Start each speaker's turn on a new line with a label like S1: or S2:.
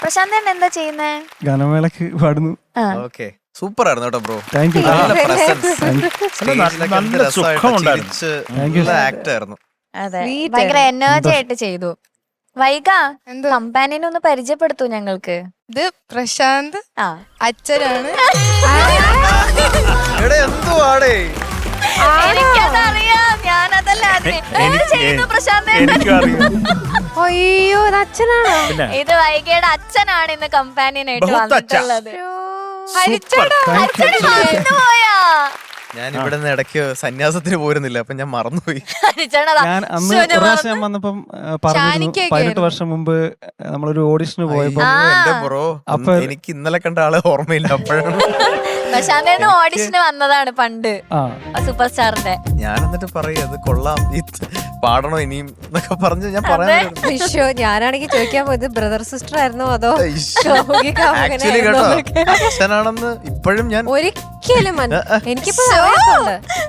S1: പ്രശാന്തൻ എന്താ ചെയ്യുന്നേ?
S2: ഗാനമേളക്ക് പാടുന്നു.
S3: ഓക്കെ, സൂപ്പർ ആയിരുന്നു കേട്ടോ ബ്രോ.
S2: Thank you.
S3: നല്ല പ്രസൻസ്,
S4: നല്ല സുഖമുണ്ടായിരുന്നു.
S3: ആക്ട് ആയിരുന്നു.
S1: അതെ,
S5: Sweet
S1: ഭയങ്കര
S5: ആയിരുന്നു.
S1: എനർജി ആയിട്ട് ചെയ്തു. വൈക
S5: എന്തോ
S1: കമ്പാനിയനെ ഒന്ന് പരിചയപ്പെടുത്തൂ ഞങ്ങൾക്ക്.
S5: ഇത് പ്രശാന്ത്
S1: ആ
S5: അച്ഛനാണ്.
S3: എടാ എന്തുവാടേ
S1: എനിക്കതറിയാം, ഞാനതല്ല ചെയ്യുന്നു പ്രശാന്തൻ.
S4: എനിക്കും അറിയാം.
S5: അയ്യോ ഇത് അച്ഛനാണോ?
S4: പിന്നെ
S1: ഇത് വൈകയുടെ അച്ഛനാണ് ഇന്ന് കമ്പാനിയനായിട്ട്
S4: ബഹുത്ത് അച്ഛാ.
S1: വന്നിട്ടുള്ളത്.
S5: ഹരിച്ചേട്ടാ.
S1: അച്ഛന് മറന്നുപോയാ?
S3: ഞാൻ ഇവിടെ നിന്ന് ഇടയ്ക്ക് സന്യാസത്തിന് പോരുന്നില്ല, അപ്പൊ ഞാൻ മറന്നുപോയി.
S1: ഹരിച്ചേട്ടതാ.
S2: ഞാൻ അന്ന് ഒരു പ്രാവശ്യം ഞാൻ വന്നപ്പം പറഞ്ഞിരുന്നു, 18 വർഷം മുമ്പ് നമ്മളൊരു ഓഡിഷന് പോയപ്പോ
S3: എന്റെ ബ്രോ,
S2: അപ്പൊ-
S3: എനിക്ക് ഇന്നലെ കണ്ട ആളെ ഓർമ്മയില്ല. അപ്പോഴാണ്
S1: പ്രശാന്തന് ഓഡിഷന് വന്നതാണ് പണ്ട്,
S2: ആ
S1: സൂപ്പർ സ്റ്റാറിന്റെ.
S3: ഞാൻ എന്നിട്ട് പറയും അത് കൊള്ളാം, പാടണോ ഇനിയും എന്നൊക്കെ പറഞ്ഞ് ഞാൻ പറയാൻ
S5: അയ്യോ ഞാനാണെങ്കിൽ ചോദിക്കാൻ പോയത് ബ്രദർ സിസ്റ്റർ ആയിരുന്നോ അതോ
S3: ആക്ച്വലി കേട്ടോ, അച്ഛനാണെന്ന് ഇപ്പോഴും ഞാൻ
S5: ഒരിക്കലും എനിക്കിപ്പോ അറിയാത്തുണ്ട്.